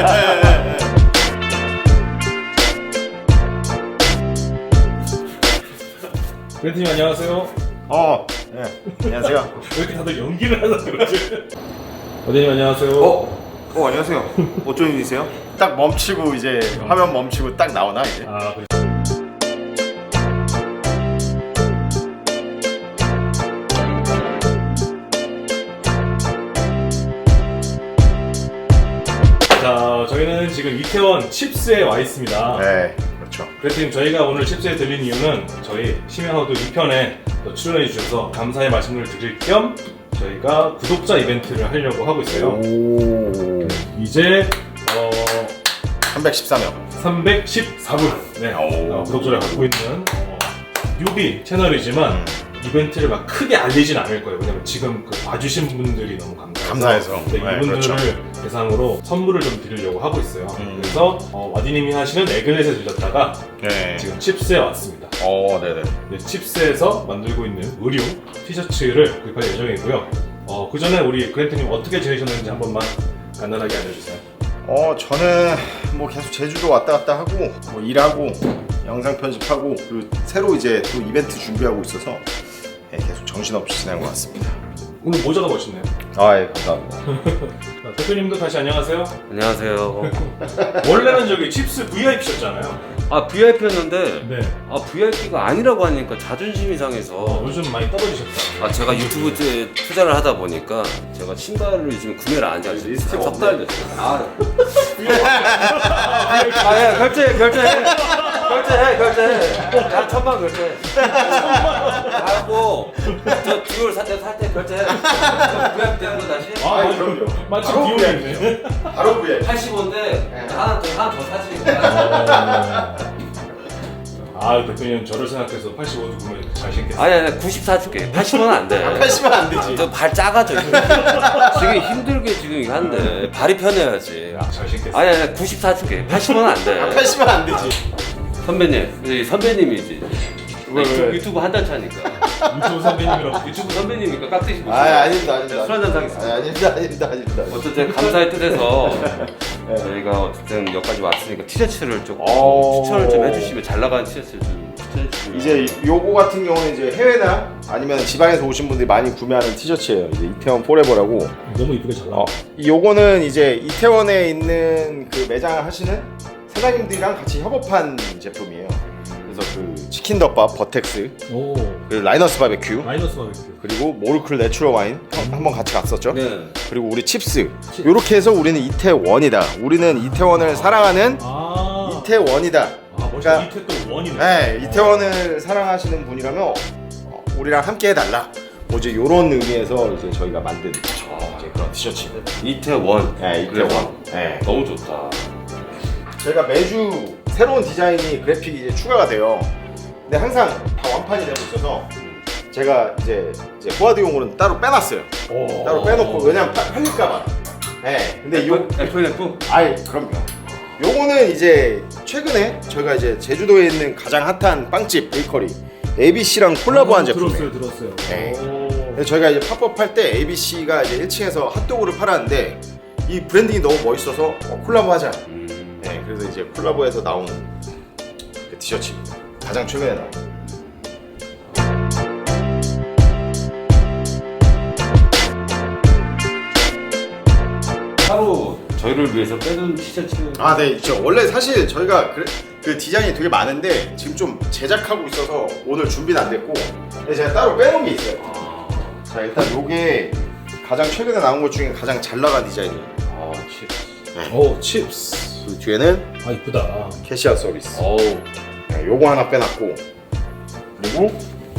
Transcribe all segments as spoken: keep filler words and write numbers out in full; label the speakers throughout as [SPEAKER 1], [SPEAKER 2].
[SPEAKER 1] 벤트님 안녕하세요.
[SPEAKER 2] 어, 네. 안녕하세요.
[SPEAKER 1] 왜 이렇게 다들 연기를 하나 그러지? 어대님 안녕하세요.
[SPEAKER 2] 어, 어 안녕하세요. 어쩐 일이세요? 딱 멈추고 이제 화면 멈추고 딱 나오나 이제?
[SPEAKER 1] 아, 그래. 자, 저희는 지금 이태원 칩스에 와 있습니다.
[SPEAKER 2] 네, 그렇죠.
[SPEAKER 1] 그래서 저희가 오늘 칩스에 들린 이유는 저희 심야호도 이 편에 출연해 주셔서 감사의 말씀을 드릴 겸 저희가 구독자 이벤트를 하려고 하고 있어요.
[SPEAKER 2] 오,
[SPEAKER 1] 이제 어,
[SPEAKER 2] 삼백십사 명.
[SPEAKER 1] 삼백십사 분 네, 어, 구독자를 갖고 있는 어, 뉴비 채널이지만
[SPEAKER 2] 음.
[SPEAKER 1] 이벤트를 막 크게 알리진 않을 거예요. 왜냐면 지금 그 봐주신 분들이 너무 감사해서,
[SPEAKER 2] 감사해서.
[SPEAKER 1] 네,
[SPEAKER 2] 네,
[SPEAKER 1] 이분들을
[SPEAKER 2] 그렇죠.
[SPEAKER 1] 대상으로 선물을 좀 드리려고 하고 있어요.
[SPEAKER 2] 음.
[SPEAKER 1] 그래서 어, 와디님이 하시는 에글렛에 들렸다가
[SPEAKER 2] 네.
[SPEAKER 1] 지금 칩스에 왔습니다.
[SPEAKER 2] 어, 네네.
[SPEAKER 1] 네, 칩스에서 만들고 있는 의류 티셔츠를 구입할 예정이고요. 어, 그 전에 우리 그랜트님 어떻게 지내셨는지 한 번만 간단하게 알려주세요.
[SPEAKER 2] 어, 저는 뭐 계속 제주도 왔다 갔다 하고 뭐 일하고 영상 편집하고 그리고 새로 이제 또 이벤트 준비하고 있어서 네, 계속 정신없이 지낸 것 같습니다.
[SPEAKER 1] 오늘 모자가 멋있네요.
[SPEAKER 2] 아, 예, 감사합니다.
[SPEAKER 1] 자, 대표님도 다시 안녕하세요.
[SPEAKER 3] 안녕하세요.
[SPEAKER 1] 원래는 저기 칩스 브이아이피셨잖아요.
[SPEAKER 3] 아 브이아이피였는데
[SPEAKER 1] 네.
[SPEAKER 3] 아 브이아이피가 아니라고 하니까 자존심이 상해서
[SPEAKER 1] 어, 요즘 많이 떨어지셨다.
[SPEAKER 3] 아 제가 유튜브에 투자를 하다 보니까 제가 신발을 지금 구매를 안 하지 않습니까?
[SPEAKER 2] 리스트가
[SPEAKER 3] 석달 됐어요. 아, 아야 결제해 결제해 결제해 결제해. 야 천만 결제해. 하고 저 듀얼 살때 살 때 결제해. 브이아이피 되는 거 다시?
[SPEAKER 1] 아,
[SPEAKER 2] 아이,
[SPEAKER 1] 맞-
[SPEAKER 2] 그럼요.
[SPEAKER 1] 마침
[SPEAKER 2] 바로
[SPEAKER 1] 비용이네.
[SPEAKER 2] 바로 그에
[SPEAKER 3] 팔십오인데 하나 더 하나 더 사지.
[SPEAKER 1] 아, 대표님 저를 생각해서 팔십오도 구매 잘 신겠어요.
[SPEAKER 3] 아니 아니 구십사 줄게. 팔십오는 안 돼.
[SPEAKER 2] 팔십은 안 되지.
[SPEAKER 3] 저 발 작아져 지금. 지금 힘들게 지금 이거 한데 발이 편해야지.
[SPEAKER 1] 아, 잘 신겠어요.
[SPEAKER 3] 아니 아니 구십사 줄게. 팔십오는 안 돼.
[SPEAKER 2] 팔십은 안 되지.
[SPEAKER 3] 선배님, 이 선배님이지.
[SPEAKER 2] 왜,
[SPEAKER 3] 유튜브,
[SPEAKER 2] 왜?
[SPEAKER 3] 유튜브 한 달 차니까.
[SPEAKER 1] 유튜브 선배님이랑
[SPEAKER 3] 유튜브 선배님이니까 깍듯이 보시고.
[SPEAKER 2] 아, 아닙니다, 아닙니다.
[SPEAKER 3] 술 한잔 사겠습니다.
[SPEAKER 2] 아, 아닙니다, 아닙니다, 아닙니다.
[SPEAKER 3] 어쨌든 감사의 뜻에서 저희가 어쨌든 여기까지 왔으니까 티셔츠를 조금
[SPEAKER 2] 오.
[SPEAKER 3] 추천을 좀 해주시면 잘 나가는 티셔츠를 좀 추천해 주시면.
[SPEAKER 2] 이제 요거 같은 경우는 이제 해외나 아니면 지방에서 오신 분들이 많이 구매하는 티셔츠예요. 이제 이태원 포레버라고.
[SPEAKER 1] 너무 이쁘게 잘 나와.
[SPEAKER 2] 어, 이 요거는 이제 이태원에 있는 그 매장을 하시는 사장님들이랑 같이 협업한 제품이에요. 그래서 그 치킨 덮밥 버텍스,
[SPEAKER 1] 오,
[SPEAKER 2] 그리고 라이너스 바베큐,
[SPEAKER 1] 마이너스 바베큐.
[SPEAKER 2] 그리고 모르클 내추럴 와인 한번 같이 갔었죠.
[SPEAKER 3] 네.
[SPEAKER 2] 그리고 우리 칩스. 요렇게 해서 우리는 이태원이다. 우리는 이태원을 사랑하는
[SPEAKER 1] 아,
[SPEAKER 2] 이태원이다.
[SPEAKER 1] 아, 멋있다.
[SPEAKER 2] 그러니까-
[SPEAKER 1] 이태 또 원이네.
[SPEAKER 2] 네, 이태원을 사랑하시는 분이라면 어, 우리랑 함께 해달라. 뭐 이제 요런 의미에서 이제 저희가 만든 이제 그런 티셔츠.
[SPEAKER 3] 이태원.
[SPEAKER 2] 네,
[SPEAKER 3] 그래,
[SPEAKER 2] 이태원. 네.
[SPEAKER 3] 너무 좋다.
[SPEAKER 2] 저희가 매주 새로운 디자인이 그래픽이 이제 추가가 돼요. 근데 항상 다 완판이 되고 있어서 제가 이제 이제 포화드용으로는 따로 빼놨어요.
[SPEAKER 1] 오.
[SPEAKER 2] 따로 빼놓고 왜냐면 파- 팔릴까봐. 네, 근데 요
[SPEAKER 3] 에프에프?
[SPEAKER 2] 아이 그럼요. 요거는 이제 최근에 저희가 이제 제주도에 있는 가장 핫한 빵집 베이커리 에이비씨랑 콜라보한
[SPEAKER 1] 아,
[SPEAKER 2] 제품이에요.
[SPEAKER 1] 들었어요, 들었어요.
[SPEAKER 2] 네.
[SPEAKER 1] 오.
[SPEAKER 2] 그래서 저희가 이제 팝업 할 때 에이비씨가 이제 일 층에서 핫도그를 팔았는데 이 브랜딩이 너무 멋있어서 어, 콜라보하자.
[SPEAKER 3] 음.
[SPEAKER 2] 네, 그래서 이제 콜라보해서 나온 그 티셔츠입니다. 가장 최근에 나온.
[SPEAKER 3] 따로 저희를 위해서 빼둔 티셔츠.
[SPEAKER 2] 아, 네, 있죠. 원래 사실 저희가 그, 그 디자인이 되게 많은데 지금 좀 제작하고 있어서 오늘 준비는 안 됐고, 근데 제가 따로 빼놓은 게 있어요.
[SPEAKER 3] 아,
[SPEAKER 2] 자, 일단 요게 가장 최근에 나온 것 중에 가장 잘 나간 디자인이에요.
[SPEAKER 3] 아 칩스.
[SPEAKER 1] 오, 칩스.
[SPEAKER 2] 그 뒤에는
[SPEAKER 1] 아, 이쁘다.
[SPEAKER 2] 캐시아 서비스.
[SPEAKER 3] 어우.
[SPEAKER 2] 네, 요거 하나 빼놨고, 그리고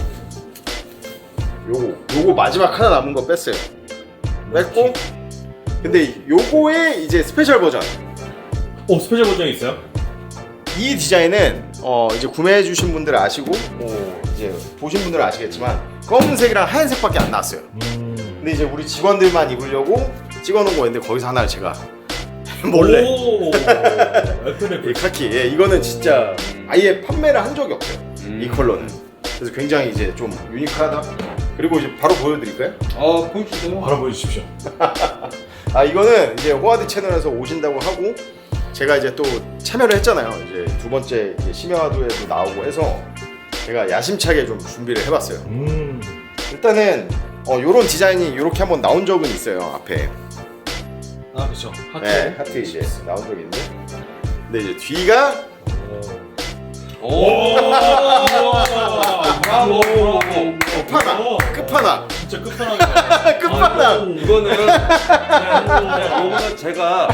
[SPEAKER 2] 요거 요거 마지막 하나 남은 거 뺐어요. 뺐고, 근데 요거의 이제 스페셜 버전.
[SPEAKER 1] 오, 스페셜 버전이 있어요?
[SPEAKER 2] 이 디자인은 어 이제 구매해 주신 분들 아시고 뭐 이제 보신 분들은 아시겠지만 검은색이랑 하얀색밖에 안 나왔어요.
[SPEAKER 1] 음.
[SPEAKER 2] 근데 이제 우리 직원들만 입으려고 찍어놓은 거였는데 거기서 하나를 제가 몰래
[SPEAKER 1] 오,
[SPEAKER 2] 이
[SPEAKER 1] 에프에프.
[SPEAKER 2] 카키. 예, 이거는 진짜 아예 판매를 한 적이 없어요.
[SPEAKER 3] 음.
[SPEAKER 2] 이 컬러는. 그래서 굉장히 이제 좀 유니크하다. 그리고 이제 바로 보여드릴까요?
[SPEAKER 3] 아 보여주세요.
[SPEAKER 1] 바로 보여주십시오.
[SPEAKER 2] 아 이거는 이제 호아드 채널에서 오신다고 하고 제가 이제 또 참여를 했잖아요. 이제 두 번째 이제 심야화도에도 나오고 해서 제가 야심차게 좀 준비를 해봤어요.
[SPEAKER 1] 음.
[SPEAKER 2] 일단은 어 요런 디자인이 이렇게 한번 나온 적은 있어요 앞에.
[SPEAKER 1] 아 그렇죠. 하트.
[SPEAKER 2] 네 하트 이제 나온 적이 있는데 근데 이제 뒤가
[SPEAKER 3] 오.
[SPEAKER 1] 오.
[SPEAKER 3] 브라보, 브라보.
[SPEAKER 2] 끝판왕 끝판왕
[SPEAKER 1] 진짜 끝판왕이다.
[SPEAKER 2] 끝판왕.
[SPEAKER 3] 이거는 이거는 제가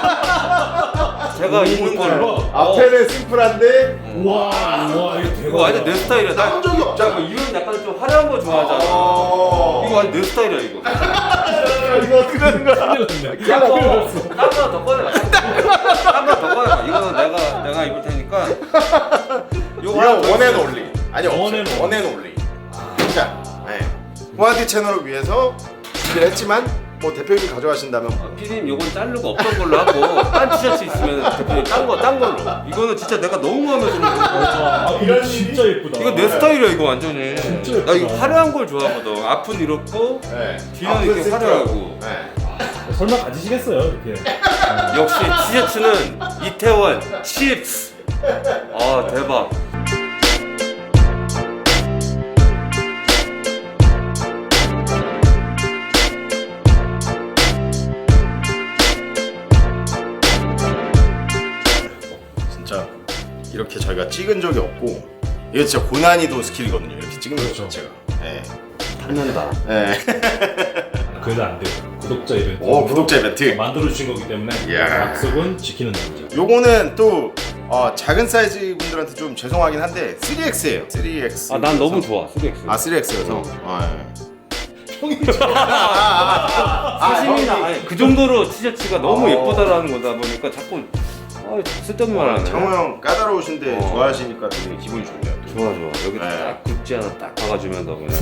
[SPEAKER 3] 제가 입는 걸로.
[SPEAKER 2] 앞에는 심플한데
[SPEAKER 1] 와, 와 이거 대박.
[SPEAKER 3] 이거 완전 내 스타일이야. 나
[SPEAKER 2] 나온 적이 없잖아.
[SPEAKER 3] 이런 약간 좀 화려한 거 좋아하잖아.
[SPEAKER 2] 어.
[SPEAKER 3] 이거 완전 내 스타일이야 이거.
[SPEAKER 2] 이거 어떻게 하는 거야?
[SPEAKER 3] 딴거더 꺼내봐. 딴거더 꺼내봐. 이거는 내가 내가 입을 테니까.
[SPEAKER 2] 이거
[SPEAKER 3] 하나 더
[SPEAKER 2] 원앤
[SPEAKER 3] 있어요.
[SPEAKER 2] 올리. 아니
[SPEAKER 1] 원앤
[SPEAKER 2] 없어요. 원앤 올리. 자, 네. 호아드 채널을 위해서 준비를 했지만 뭐 대표님이 가져가신다면
[SPEAKER 3] 아, 피디님 요건 자르고 없던 걸로 하고 딴 티셔츠 있으면 대표님 딴거딴 걸로. 이거는 진짜 내가 너무 마음에 드는 거.
[SPEAKER 1] 아 이거 진짜 예쁘다.
[SPEAKER 3] 이거 내 스타일이야 이거 완전히.
[SPEAKER 1] 진짜
[SPEAKER 3] 나 이거
[SPEAKER 1] 예쁘다.
[SPEAKER 3] 화려한 걸 좋아하거든. 앞은 이렇고
[SPEAKER 2] 네.
[SPEAKER 3] 뒤는 이렇게 화려하고.
[SPEAKER 2] 네.
[SPEAKER 1] 설마 가지시겠어요 이렇게.
[SPEAKER 3] 역시 티셔츠는 이태원 칩스. 아 대박.
[SPEAKER 2] 진짜 이렇게 저희가 찍은 적이 없고 이거 진짜 고난이도 스킬이거든요. 이렇게 찍는 거
[SPEAKER 1] 그렇죠.
[SPEAKER 2] 자체가. 네.
[SPEAKER 3] 탐난다.
[SPEAKER 2] 네.
[SPEAKER 1] 그래도 안 돼요. 구독자 이벤트.
[SPEAKER 2] 오 구독자 이벤트.
[SPEAKER 1] 만들어 주신 거기 때문에
[SPEAKER 2] 이야.
[SPEAKER 1] 약속은 지키는 남자.
[SPEAKER 2] 요거는 또 어, 작은 사이즈 분들한테 좀 죄송하긴 한데 쓰리 엑스예요. 쓰리 엑스.
[SPEAKER 3] 아 난 너무 좋아 쓰리 엑스.
[SPEAKER 2] 아 쓰리 엑스여서. 아,
[SPEAKER 1] 형이
[SPEAKER 3] 사심이나 아니, 그 정도로 티셔츠가 너무
[SPEAKER 2] 어.
[SPEAKER 3] 예쁘다라는 거다 보니까 자꾸 아, 쓸데없는 말 하네.
[SPEAKER 2] 장호 형 까다로우신데
[SPEAKER 3] 어.
[SPEAKER 2] 좋아하시니까 되게 기분이 좋네요. 또.
[SPEAKER 3] 좋아 좋아 여기
[SPEAKER 2] 네.
[SPEAKER 3] 딱 굿즈 하나 딱 박아주면 너 그냥.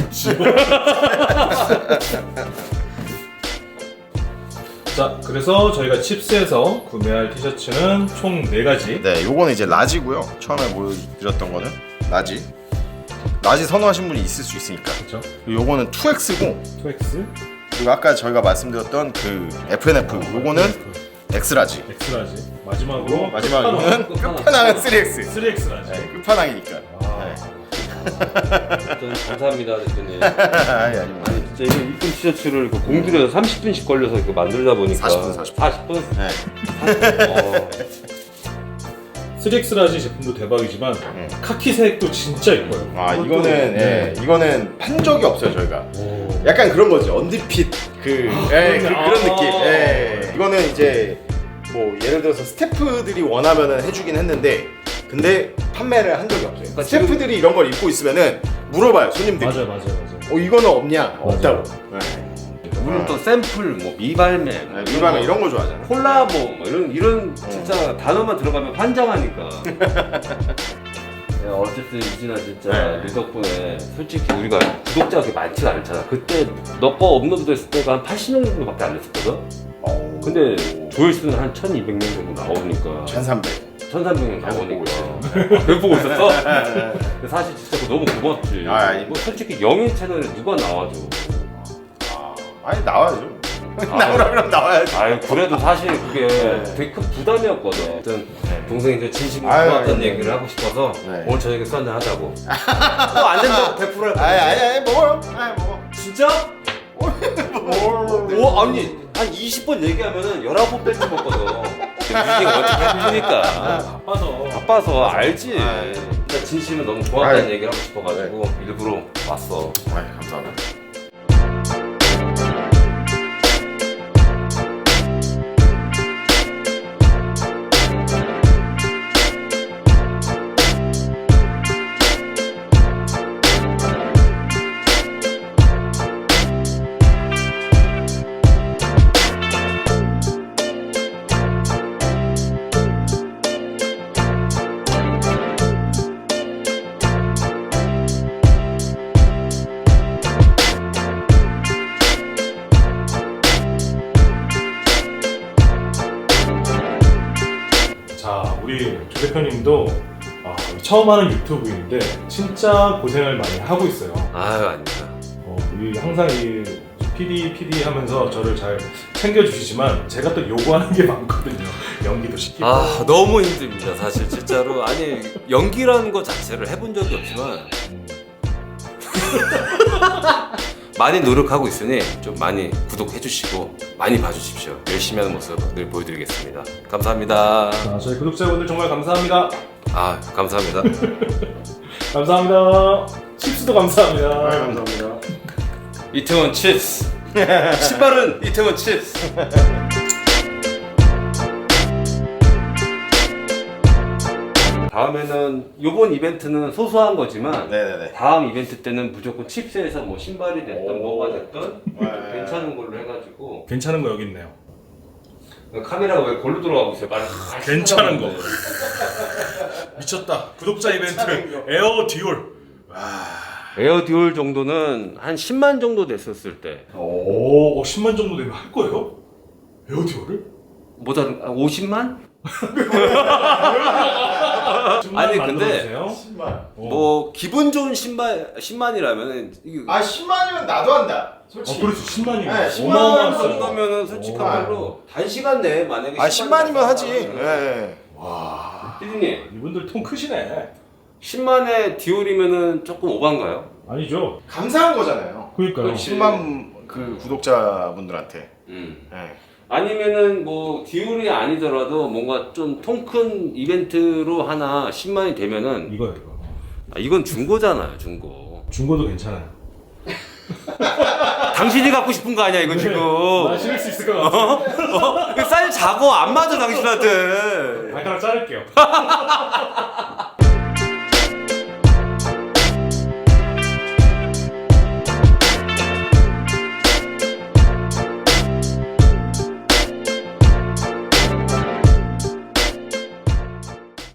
[SPEAKER 1] 자, 그래서 저희가 칩스에서 구매할 티셔츠는 총 네 가지.
[SPEAKER 2] 네, 요거는 이제 라지고요. 처음에 보여드렸던 거는 라지. 라지 선호하시는 분이 있을 수 있으니까.
[SPEAKER 1] 그렇죠.
[SPEAKER 2] 그리고 요거는 투 엑스고
[SPEAKER 1] 투 엑스.
[SPEAKER 2] 그리고 아까 저희가 말씀드렸던 그 에프엔에프 요거는 엑스라지.
[SPEAKER 1] 엑스라지. 마지막으로
[SPEAKER 2] 마지막으로는
[SPEAKER 3] 끝판왕.
[SPEAKER 2] 끝판왕은 쓰리 엑스.
[SPEAKER 1] 쓰리 엑스라지.
[SPEAKER 2] 네, 끝판왕이니까.
[SPEAKER 1] 아.
[SPEAKER 2] 네.
[SPEAKER 3] 저는 감사합니다 대표님.
[SPEAKER 2] 아니 아닙니다.
[SPEAKER 3] 아니 진짜 이거 이쁜 티셔츠를 그 공들여서 삼십 분씩 걸려서 이거 만들다 보니까
[SPEAKER 2] 사십 분, 사십 분.
[SPEAKER 3] 사십 분?
[SPEAKER 2] 네.
[SPEAKER 3] 어.
[SPEAKER 1] 쓰리 엑스라지 제품도 대박이지만
[SPEAKER 2] 음.
[SPEAKER 1] 카키색도 진짜 예뻐요.
[SPEAKER 2] 아
[SPEAKER 3] 그것도-
[SPEAKER 2] 이거는 예, 이거는 판 적이 없어요 저희가.
[SPEAKER 1] 오.
[SPEAKER 2] 약간 그런 거지 언디핏 그, 예, 그
[SPEAKER 1] 그러네.
[SPEAKER 2] 그런
[SPEAKER 1] 아.
[SPEAKER 2] 느낌. 예. 이거는 이제 뭐 예를 들어서 스태프들이 원하면은 해주긴 했는데 근데 판매를 한 적이 없어요.
[SPEAKER 3] 그러니까
[SPEAKER 2] 스태프들이 이런 걸 입고 있으면은 물어봐요 손님들이.
[SPEAKER 1] 맞아요, 맞아요, 맞아요.
[SPEAKER 2] 어 이거는 없냐? 없다고. 네.
[SPEAKER 3] 우리는 또 샘플, 뭐 미발매, 뭐
[SPEAKER 2] 네, 일반은 이런 거 좋아하잖아.
[SPEAKER 3] 콜라보, 뭐 이런 이런 진짜 단어만 들어가면 환장하니까. 야, 어쨌든 유진아 진짜
[SPEAKER 2] 네.
[SPEAKER 3] 네 덕분에 솔직히 우리가 구독자가 그렇게 많지가 않잖아. 그때 너 거 업로드 됐을 때가 한 팔십 명 정도밖에 안 됐었거든.
[SPEAKER 2] 어.
[SPEAKER 3] 근데 조회수는 한 천이백 명 정도 나오니까
[SPEAKER 2] 천삼백.
[SPEAKER 3] 천삼백 명
[SPEAKER 2] 계속 보고
[SPEAKER 3] 나오니까 계속 보고 있었어? 근데 사실 진짜 그거 너무 고맙지.
[SPEAKER 2] 아, 아니.
[SPEAKER 3] 뭐 솔직히 영인 채널에 누가 나와줘.
[SPEAKER 2] 아, 아니 나와야죠. 나오라 그러면 나와야지.
[SPEAKER 3] 아유 그래도 사실 그게
[SPEAKER 2] 네.
[SPEAKER 3] 되게 큰 부담이었거든. 아무튼 동생이 그 진심으로
[SPEAKER 2] 아유,
[SPEAKER 3] 고맙다는
[SPEAKER 2] 아유,
[SPEAKER 3] 얘기를 하고 싶어서
[SPEAKER 2] 네.
[SPEAKER 3] 오늘 저녁에 술 한잔 하자고. 또 안 된다고 백 퍼센트 할
[SPEAKER 2] 아니
[SPEAKER 3] 거야.
[SPEAKER 2] 아니 아니 먹어요. 아니 먹어.
[SPEAKER 3] 진짜? 오 아니 한 이십 번 얘기하면은 열아홉 번 뺏어 먹거든. 유진이가 어떻게 해주니까.
[SPEAKER 1] 바빠서.
[SPEAKER 3] 바빠서 알지.
[SPEAKER 2] 아.
[SPEAKER 3] 진짜 진심은 너무 고맙다는
[SPEAKER 2] 아유.
[SPEAKER 3] 얘기를 하고 싶어가지고 일부러 왔어.
[SPEAKER 2] 아이 감사합니다.
[SPEAKER 1] 자, 우리 조 대표님도 아, 처음 하는 유튜브인데 진짜 고생을 많이 하고 있어요.
[SPEAKER 3] 아유 아닙니다.
[SPEAKER 1] 어, 이 항상 이 피디 피디 하면서 저를 잘 챙겨주시지만 제가 또 요구하는 게 많거든요. 연기도 시키고.
[SPEAKER 4] 아 너무 힘듭니다 사실 진짜로. 아니 연기라는 거 자체를 해본 적이 없지만 많이 노력하고 있으니 좀 많이 구독해 주시고 많이 봐주십시오. 열심히 하는 모습 늘 보여드리겠습니다. 감사합니다.
[SPEAKER 1] 아, 저희 구독자분들 정말 감사합니다.
[SPEAKER 4] 아 감사합니다.
[SPEAKER 1] 감사합니다. 칩스도 감사합니다.
[SPEAKER 2] 네, 감사합니다.
[SPEAKER 4] 이태원 칩스. 신발은 이태원 칩스.
[SPEAKER 3] 다음에는 요번 이벤트는 소소한 거지만
[SPEAKER 2] 네네네.
[SPEAKER 3] 다음 이벤트 때는 무조건 칩스에서 뭐 신발이 됐든
[SPEAKER 2] 오.
[SPEAKER 3] 뭐가 됐든
[SPEAKER 2] 네.
[SPEAKER 3] 괜찮은 걸로 해가지고
[SPEAKER 1] 괜찮은 거 여기 있네요.
[SPEAKER 3] 카메라가 왜 골로 돌아가고 있어요? 빨리
[SPEAKER 1] 괜찮은 거. 미쳤다. 구독자 이벤트 에어 디올.
[SPEAKER 3] 에어 듀얼 정도는 한 십만 정도 됐었을 때
[SPEAKER 1] 오, 어, 십만 정도 되면 할 거예요? 에어 디올을?
[SPEAKER 3] 뭐다 아, 오십만?
[SPEAKER 4] 아니, 근데
[SPEAKER 2] 십만.
[SPEAKER 4] 뭐 기분 좋은 신발 십만이라면 이거
[SPEAKER 2] 아 십만이면 나도 한다.
[SPEAKER 1] 어,
[SPEAKER 2] 솔직히.
[SPEAKER 1] 그렇지. 십만이면
[SPEAKER 2] 네, 십만
[SPEAKER 1] 어마어마한
[SPEAKER 4] 그
[SPEAKER 1] 숫자.
[SPEAKER 4] 정도면은 솔직한
[SPEAKER 2] 오.
[SPEAKER 4] 말로 단시간 내에 만약에
[SPEAKER 2] 아 십만이면 하지. 예.
[SPEAKER 4] 네.
[SPEAKER 2] 네.
[SPEAKER 3] 피디님
[SPEAKER 1] 이분들 통 크시네.
[SPEAKER 3] 십만에 디올이면은 조금 오반가요?
[SPEAKER 1] 아니죠.
[SPEAKER 2] 감사한 거잖아요.
[SPEAKER 1] 그러니까요.
[SPEAKER 3] 그렇지.
[SPEAKER 2] 십만 그 구독자분들한테.
[SPEAKER 3] 음.
[SPEAKER 2] 예.
[SPEAKER 3] 아니면은 뭐 디올이 아니더라도 뭔가 좀 통 큰 이벤트로 하나 십만이 되면은
[SPEAKER 1] 이거요, 이거.
[SPEAKER 3] 아, 이건 중고잖아요 중고.
[SPEAKER 1] 중고도 괜찮아요.
[SPEAKER 3] 당신이 갖고 싶은 거 아니야 이거 지금.
[SPEAKER 1] 나 신을 수 있을 것 같아.
[SPEAKER 3] 어? 쌀 작어 안 맞아 당신한테.
[SPEAKER 1] 발가락 자를게요.